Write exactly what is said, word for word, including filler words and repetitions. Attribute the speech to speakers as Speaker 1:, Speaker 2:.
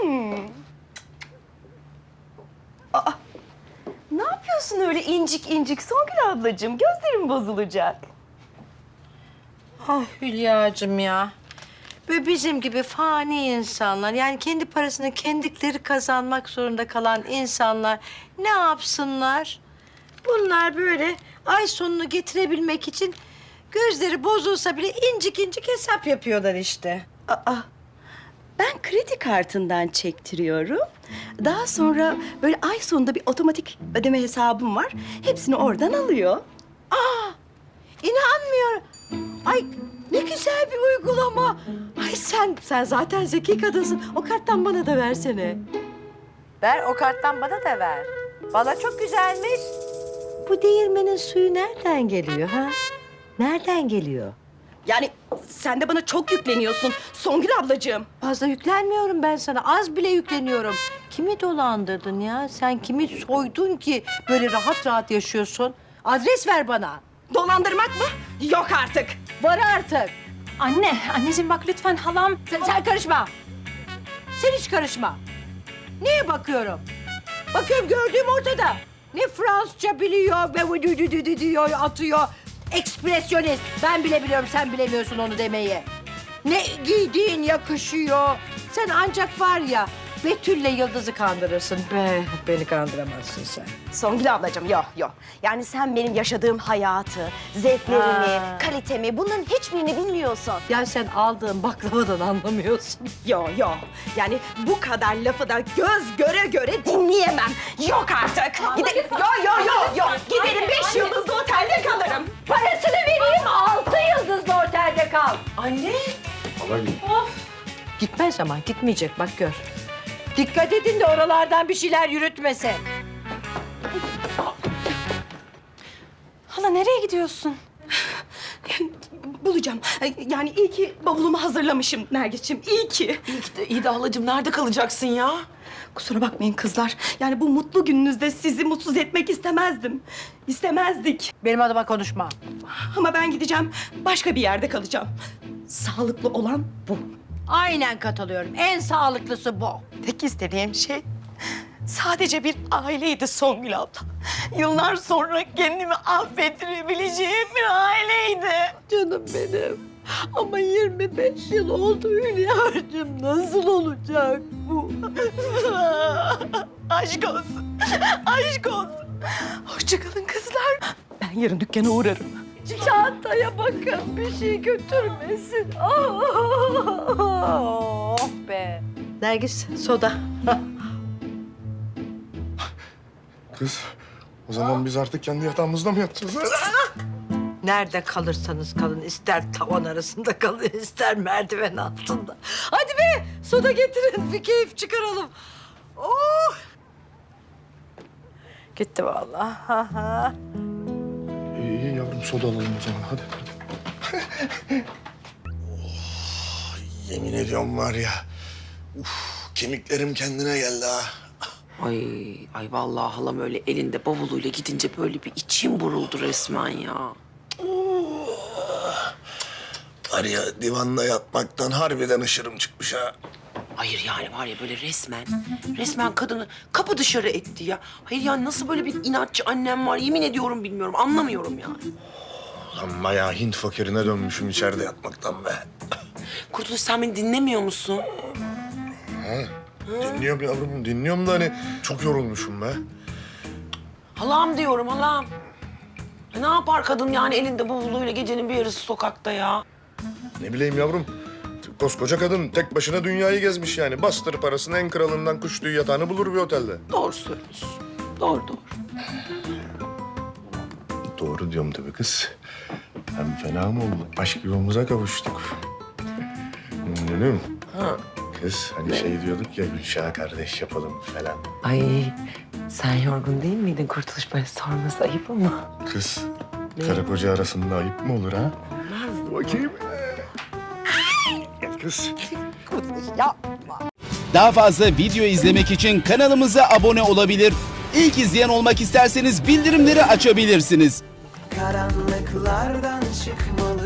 Speaker 1: Hmm. Aa, ne yapıyorsun öyle incik incik Songül ablacığım? Gözlerim bozulacak.
Speaker 2: Ah Hülya'cığım ya. Böyle bizim gibi fani insanlar, yani kendi parasını kendileri kazanmak zorunda kalan insanlar ne yapsınlar? Bunlar böyle ay sonunu getirebilmek için gözleri bozulsa bile incik incik hesap yapıyorlar işte.
Speaker 1: Aa, ben kredi kartından çektiriyorum. Daha sonra böyle ay sonunda bir otomatik ödeme hesabım var. Hepsini oradan alıyor.
Speaker 2: Aa, inanmıyorum. Ay ne güzel bir uygulama. Ay sen sen zaten zeki kadınsın. O karttan bana da versene. Ver o karttan bana da ver. Bana çok güzelmiş. Bu değirmenin suyu nereden geliyor ha? Nereden geliyor?
Speaker 1: Yani sen de bana çok yükleniyorsun Songül ablacığım.
Speaker 2: Fazla yüklenmiyorum ben sana. Az bile yükleniyorum. Kimi dolandırdın ya? Sen kimi soydun ki böyle rahat rahat yaşıyorsun? Adres ver bana.
Speaker 1: Dolandırmak mı? Yok artık.
Speaker 2: Var artık.
Speaker 3: Anne, anneciğim bak lütfen halam.
Speaker 2: Sen, sen karışma. Sen hiç karışma. Neye bakıyorum? Bakıyorum gördüğüm ortada. Ne Fransızca biliyor, ve dü dü dü dü diyor, atıyor. Ekspresyonist. Ben bile biliyorum, sen bilemiyorsun onu demeyi. Ne giydiğin yakışıyor. Sen ancak var ya, Betül'le Yıldız'ı kandırırsın. Be, beni kandıramazsın sen.
Speaker 1: Songül ablacığım yok yok. Yani sen benim yaşadığım hayatı, zevklerimi,
Speaker 2: Ha.
Speaker 1: kalitemi bunların hiçbirini bilmiyorsun.
Speaker 2: Ya sen aldığın baklavadan anlamıyorsun.
Speaker 1: Yok yok. Yani bu kadar lafı da göz göre göre dinleyemem. Yok artık. Gide yok yok yok yok. Giderim beş yıldızlı otelde kalırım.
Speaker 2: Parasını vereyim, altı yıldızlı otelde kal.
Speaker 1: Anne.
Speaker 2: Gitmez ama, gitmeyecek bak gör. Dikkat edin de oralardan bir şeyler yürütmesin.
Speaker 3: Hala nereye gidiyorsun?
Speaker 1: Bulacağım. Yani iyi ki bavulumu hazırlamışım Nergis'ciğim. İyi ki.
Speaker 4: İyi ki de, iyi de halacığım nerede kalacaksın ya?
Speaker 1: Kusura bakmayın kızlar. Yani bu mutlu gününüzde sizi mutsuz etmek istemezdim. İstemezdik.
Speaker 2: Benim adıma konuşma.
Speaker 1: Ama ben gideceğim. Başka bir yerde kalacağım. Sağlıklı olan bu.
Speaker 2: Aynen katılıyorum. En sağlıklısı bu.
Speaker 1: Tek istediğim şey sadece bir aileydi Songül abla. Yıllar sonra kendimi affettirebileceğim bir aileydi.
Speaker 2: Canım benim. Ama yirmi beş yıl oldu Hülya'cığım. Nasıl olacak bu?
Speaker 1: Aşk olsun. Aşk olsun. Hoşçakalın kızlar. Ben yarın dükkana uğrarım.
Speaker 2: Çantaya bakın bir şey götürmesin. Oh be. Nergis soda.
Speaker 5: Kız, o zaman biz artık kendi yatağımızda mı yatacağız?
Speaker 2: Nerede kalırsanız kalın, ister tavan arasında kalın, ister merdiven altında. Hadi be, soda getirin, bir keyif çıkaralım. Oh! Gitti vallahi. Ha ha.
Speaker 5: İyi, iyi yavrum, soda alalım o zaman. Hadi, hadi. oh, yemin ediyorum var ya, uf, kemiklerim kendine geldi ha.
Speaker 4: Ay, ay vallahi halam öyle elinde bavuluyla gidince böyle bir içim buruldu resmen ya.
Speaker 5: Var ya, divanda yatmaktan harbiden ışırım çıkmış ha.
Speaker 4: Hayır yani var ya böyle resmen, resmen kadını kapı dışarı etti ya. Hayır yani nasıl böyle bir inatçı annem var yemin ediyorum bilmiyorum, anlamıyorum yani.
Speaker 5: Lan bayağı Hint fakirine dönmüşüm içeride yatmaktan be.
Speaker 4: Kurtuluş sen beni dinlemiyor musun?
Speaker 5: Dinliyorum yavrum, dinliyorum da hani çok yorulmuşum be.
Speaker 4: Halam diyorum halam. Ya ne yapar kadın yani elinde bavuluyla gecenin bir yarısı sokakta ya?
Speaker 5: Ne bileyim yavrum, koskoca kadın tek başına dünyayı gezmiş yani. Bastır parasını, en kralından kuş tüyü yatağını bulur bir otelde.
Speaker 4: Doğru söylüyorsun. Doğru doğru.
Speaker 5: Doğru diyorum tabii kız. Hem fena mı oldu? Aşk yuvamıza kavuştuk. Gülüm.
Speaker 4: Ha.
Speaker 5: Kız hani şey diyorduk ya, Gülşah'a kardeş yapalım falan.
Speaker 4: Ay sen yorgun değil miydin Kurtuluş? Böyle sorması ayıp ama.
Speaker 5: Kız, karı koca arasında ayıp mı olur ha?
Speaker 4: Olmaz.
Speaker 5: Bakayım. Gel kız.
Speaker 6: Daha fazla video izlemek için kanalımıza abone olabilir. İlk izleyen olmak isterseniz bildirimleri açabilirsiniz.
Speaker 7: Karanlıklardan çıkmalı